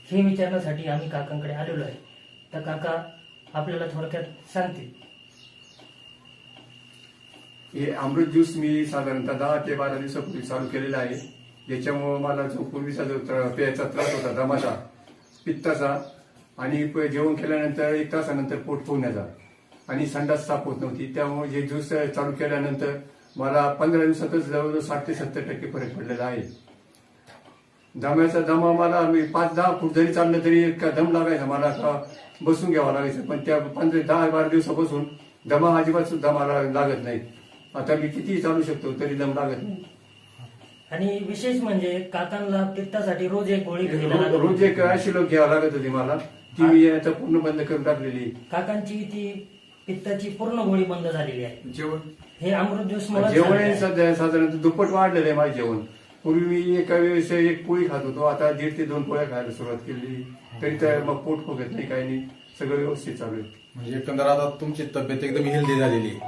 हे विचारण्यासाठी आम्ही काकांकडे आलेलो आहे. तर काका आपल्याला थोडक्यात सांगतील. हे अमृत ज्यूस मी साधारणतः 10 ते 12 दिवसापूर्वी चालू केलेला आहे. याच्यामुळे मला जो पूर्वीचा जो प्यायचा त्रास होता, दमाचा, पित्ताचा आणि जेवण केल्यानंतर 1 तासानंतर पोट फुगण्याचा आणि संडास साफ होत नव्हती, त्यामुळे जे ज्यूस चालू केल्यानंतर मला 15 दिवसातच जवळजवळ 60 ते 70% फरक पडलेला आहे. दमा मला मी 5-10 फूट जरी चाललं तरी इतका दम लागायचा, मला बसून घ्यावा लागायचं. पण त्या 10-12 दिवसापासून दमा अजिबात सुद्धा मला लागत नाही. आता मी कितीही चालू शकतो तरी दम लागत नाही. आणि विशेष म्हणजे काकांना पित्तासाठी रोज एक गोळी घ्यायला लागत होती. रोज एक ऍसिलोक घ्यावं लागत होती मला, ती मी आता पूर्ण बंद करून टाकलेली. काकांची ती पित्ताची पूर्ण गोळी बंद झालेली आहे. जेवण हे अमृत ज्यूस जेवण सध्या साधारणतः दुप्पट वाढलेलं आहे माझं जेवण. पूर्वी मी एका वेळेस 1 पोळी खात होतो, आता 1.5 ते 2 पोळ्या खायला सुरुवात केली. तरी तर मग पोट फुगत नाही, काही नाही, सगळं व्यवस्थित चालू आहे. म्हणजे एकंदर आता तुमची तब्येत एकदम हेल्दी झालेली आहे.